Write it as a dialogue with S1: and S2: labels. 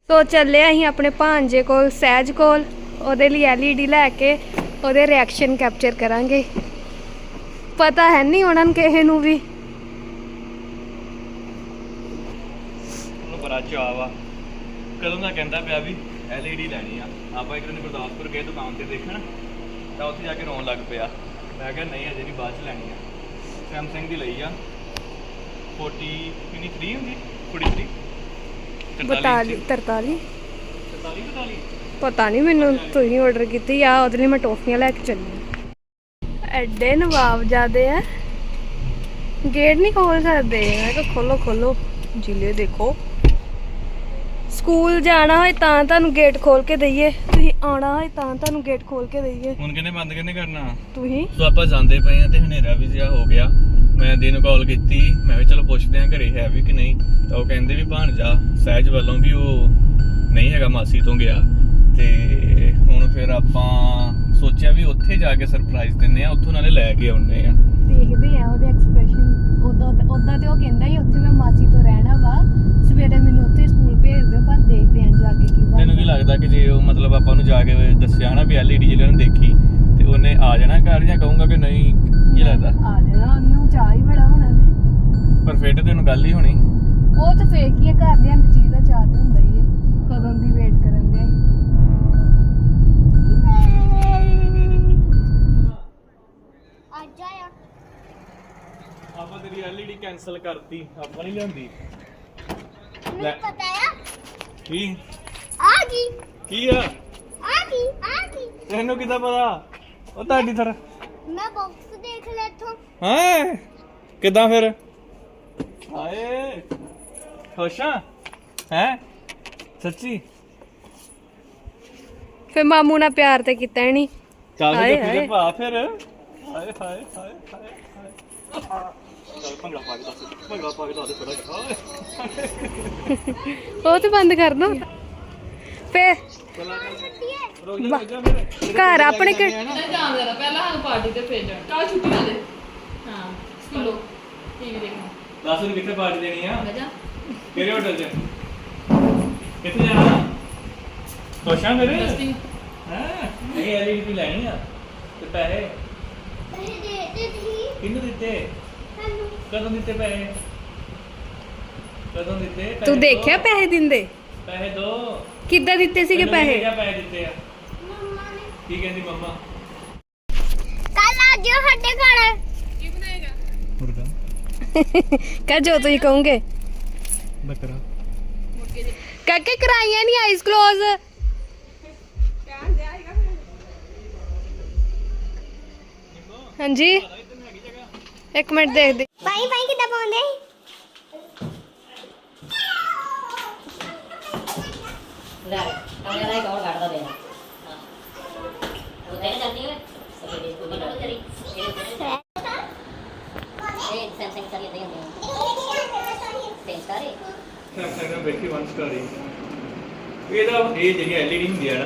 S1: ਸੋ ਚੱਲੇ ਅਸੀਂ ਆਪਣੇ ਭਾਂਜੇ ਕੋਲ ਸਹਿਜ ਕੋਲ, ਉਹਦੇ ਲਈ LED ਲੈ ਕੇ ਉਹਦੇ ਰਿਐਕਸ਼ਨ ਕੈਪਚਰ ਕਰਾਂਗੇ। ਪਤਾ ਹੈ ਨਹੀਂ ਉਹਨਾਂ ਨੂੰ ਕਿਸੇ ਨੂੰ ਵੀ।
S2: ਉਹਨੂੰ ਬੜਾ ਚਾਅ ਵਾ, ਕਦੋਂ ਦਾ ਕਹਿੰਦਾ ਪਿਆ ਵੀ LED ਲੈਣੀ ਆ। ਆਪਾਂ ਇੱਕ ਦਿਨ ਗੁਰਦਾਸਪੁਰ ਗਏ ਦੁਕਾਨ ਤੇ ਦੇਖਣ, ਤਾਂ ਉੱਥੇ ਜਾ ਕੇ ਰੋਣ ਲੱਗ ਪਿਆ। ਮੈਂ ਕਿਹਾ ਨਹੀਂ ਅਜੇ ਨਹੀਂ, ਬਾਅਦ ਚ ਲੈਣੀ ਆ। ਸੈਮਸੰਗ ਦੀ ਲਈ ਆ 43 ਹੁੰਦੀ 43
S1: 42 43 ਪਤਾ ਨਹੀਂ ਮੈਨੂੰ, ਤੁਸੀਂ ਆਰਡਰ ਕੀਤੀ ਆ। ਉਹਦੇ ਲਈ ਮੈਂ ਟੋਫੀਆਂ ਲੈ ਕੇ ਚੱਲੀ। ਐਡੇ ਨਵਾਬ ਜਾਦੇ ਆ, ਗੇਟ ਨਹੀਂ ਖੋਲ ਸਕਦੇ। ਮੈਂ ਕਿਹਾ ਖੋਲੋ ਖੋਲੋ, ਜਿਲੇ ਦੇਖੋ। ਸਕੂਲ ਜਾਣਾ ਹੋਏ ਤਾਂ ਤੁਹਾਨੂੰ ਗੇਟ ਖੋਲ ਕੇ ਦਈਏ, ਤੁਸੀਂ ਆਉਣਾ ਹੋਏ ਤਾਂ ਤੁਹਾਨੂੰ ਗੇਟ ਖੋਲ ਕੇ ਦਈਏ।
S2: ਹੁਣ ਕਹਿੰਦੇ ਬੰਦ ਕਿਹਨੇ ਕਰਨਾ
S1: ਤੁਸੀਂ।
S2: ਸੋ ਆਪਾਂ ਜਾਂਦੇ ਪਏ ਆ ਤੇ ਹਨੇਰਾ ਵੀ ਜਿਹਾ ਹੋ ਗਿਆ। ਮੈਂ ਦਿਨ ਕਾਲ ਕੀਤੀ, ਮੈਂ ਕਿਹਾ ਚਲੋ ਪੁੱਛਦੇ ਆ ਘਰੇ ਹੈ ਵੀ ਕਿ ਨਹੀਂ। ਤਾਂ ਉਹ ਕਹਿੰਦੇ ਵੀ ਭਾਣਜਾ ਸਹਿਜ ਵੱਲੋਂ ਵੀ ਉਹ ਨਹੀਂ ਹੈਗਾ, ਮਾਸੀ ਤੋਂ ਗਿਆ। ਤੇ ਹੁਣ ਫਿਰ ਆਪਾਂ ਸੋਚਿਆ ਵੀ ਉੱਥੇ ਜਾ ਕੇ ਸਰਪ੍ਰਾਈਜ਼ ਦਿੰਨੇ ਆ, ਉੱਥੋਂ ਨਾਲੇ ਲੈ ਕੇ ਆਉਣੇ ਆ।
S1: ਦੇਖਦੇ ਆ ਉਹਦੇ ਐਕਸਪ੍ਰੈਸ਼ਨ। ਉਦਾਂ ਤੇ ਉਹ ਕਹਿੰਦਾ ਹੀ ਉੱਥੇ ਮੈਂ ਮਾਸੀ ਤੋਂ ਰਹਿਣਾ ਵਾ, ਸਵੇਰੇ ਮੈਨੂੰ ਉੱਥੇ ਸਕੂਲ ਭੇਜ ਦਿਓ। ਪਰ ਦੇਖਦੇ ਆ ਜਾ ਕੇ ਕੀ ਬਣਦਾ।
S2: ਤੈਨੂੰ ਕੀ ਲੱਗਦਾ ਕਿ ਜੇ ਉਹ ਮਤਲਬ ਆਪਾਂ ਨੂੰ ਜਾ ਕੇ ਦੱਸਿਆ ਨਾ ਵੀ LED ਜਿਹੜੇ ਉਹਨੇ ਦੇਖੀ, ਤੇ ਉਹਨੇ ਆ ਜਾਣਾ ਘਰ ਜਾਂ ਕਹੂੰਗਾ ਕਿ ਨਹੀਂ? ਕੀ ਲੱਗਦਾ?
S1: ਆ ਜਾਣਾ, ਉਹਨੂੰ ਚਾਹ ਹੀ ਬੜਾ ਹੋਣਾ ਤੇ।
S2: ਪਰ ਫਿਰ ਤੈਨੂੰ ਗੱਲ ਹੀ ਹੋਣੀ।
S1: ਉਹ ਤਾਂ ਫੇਕ ਹੀ ਆ, ਘਰ ਲਿਆਂ ਦੀ ਚੀਜ਼ ਦਾ ਚਾਹ ਤਾਂ ਹੁੰਦਾ ਹੀ ਆ। ਕਦੋਂ ਦੀ ਵੇਟ ਕਰਨ ਦੇ।
S2: ਆਪਾਂ ਤੇਰੀ LED ਕੈਨਸਲ ਕਰਤੀ, ਆਪਾਂ ਨਹੀਂ ਲਿਆਂਦੀ।
S3: ਮੈਨੂੰ ਪਤਾ ਆ
S2: ਕੀ
S3: ਆ ਗਈ
S2: ਕੀ ਆ?
S3: ਆ ਗਈ
S2: ਤੈਨੂੰ ਕਿੱਦਾਂ ਪਤਾ? ਉਹ ਤੁਹਾਡੀ ਤਰ੍ਹਾਂ
S3: ਮੈਂ ਬਾਕਸ ਦੇਖ ਲਿਆ ਇੱਥੋਂ।
S2: ਹਾਂ ਕਿੱਦਾਂ ਫਿਰ? ਹਾਏ ਖੁਸ਼ਾਂ ਹੈ ਸੱਚੀ?
S1: ਫਿਰ ਮਾਮੂ ਨਾਲ ਪਿਆਰ ਤੇ ਕੀਤਾ ਹੀ ਨਹੀਂ।
S2: ਚੱਲ
S1: ਹਾਏ,
S2: ਫਿਰ
S1: ਹਾਏ।
S2: ਭਾ ਫਿਰ ਹਾਏ ਹਾਏ ਹਾਏ ਹਾਏ ਚੱਲ ਭੰਗੜਾ ਪਾ ਕੇ ਦੱਸ ਥੋੜਾ।
S1: ਉਹ ਤੇ ਬੰਦ ਕਰ ਦੋ ਫੇਰ।
S2: ਰੁਕ ਜਾ ਫਿਰ
S1: ਘਰ ਆਪਣੇ
S4: ਨਹੀਂ ਜਾਣ ਦੇਣਾ, ਪਹਿਲਾਂ ਸਾਨੂੰ ਪਾਰਟੀ ਤੇ ਭੇਜ। ਕੱਲ ਛੁੱਟੀ ਵਾਲੇ ਹਾਂ ਸਕੂਲੋਂ ਟੀਵੀ ਦੇਖਣਾ।
S2: ਦੱਸ ਨੂੰ ਕਿੱਥੇ ਪਾਰਟੀ ਦੇਣੀ ਆ?
S4: ਮੈਂ ਜਾ
S2: ਕਿਹੜੇ ਹੋਟਲ 'ਚ? ਕਿੱਥੇ ਜਾਣਾ? ਖੁਸ਼ਾਂ ਮੇਰੇ
S4: ਟੈਸਟਿੰਗ
S2: ਹਾਂ ਨਹੀਂ LED ਲੈਣੀ ਆ ਤੇ ਪੈਸੇ
S3: ਤੁਸੀਂ ਦੇ ਦਿੱਤੀ
S2: ਕਿਹਨੂੰ ਦਿੱਤੇ?
S3: ਸਾਨੂੰ।
S2: ਕਦੋਂ ਦਿੱਤੇ ਪੈਸੇ? ਕਦੋਂ ਦਿੱਤੇ?
S1: ਤੂੰ
S2: ਪੈਸੇ
S1: ਦੇਖਿਆ
S2: ਦਿਓ।
S1: ਪੈਸੇ ਦਿੰਦੇ
S2: ਪੈਸੇ ਦੋ।
S1: ਕਿੱਦਾਂ ਦਿੱਤੇ ਸੀਗੇ ਪੈਸੇ?
S2: ਪੈਸੇ ਦਿੱਤੇ ਆ?
S3: ਮੰਮਾ ਨੇ
S2: ਕੀ ਕਹਿੰਦੀ ਮੰਮਾ?
S3: ਕੱਲ ਆ ਜਿਓ ਸਾਡੇ ਘਰ।
S4: ਕੀ ਬਣਾਏਗਾ?
S2: ਮੁਰਗਾ
S1: ਕਹ ਜੋ ਤੁਸੀਂ ਕਹੋਗੇ।
S2: ਬੱਕਰਾ
S1: ਕਾਕੇ ਕਰਾਈਆਂ ਨਹੀਂ ਆਈਜ਼ ਕਲੋਜ਼। ਹਾਂਜੀ ਇੱਕ ਮਿੰਟ ਦੇਖਦੇ।
S3: ਭਾਈ ਕਿੱਦਾਂ ਪਾਉਂਦੇ?
S5: ਲੈ ਕਮਰੇ ਦਾ ਇੱਕ ਹੋਰ ਕੱਢ ਦੋ ਦੇ ਉਹ ਤੇਰੇ ਚੱਲਦੀ ਹੈ ਸਭੇ ਦੇ ਕੋਈ ਨਾ ਤੇਰੀ ਇਹ ਸੈਮਸੰਗ ਸਾਰੀ ਦੇ ਹੁੰਦੇ ਤੇ ਸਾਰੇ
S2: ਸੈਮਸੰਗ ਦਾ ਵੇਖੀ ਵਨ ਸਟਾਰੀ। ਇਹਦਾ ਇਹ ਜਿਹੜੀ LED ਹੁੰਦੀ ਆ ਨਾ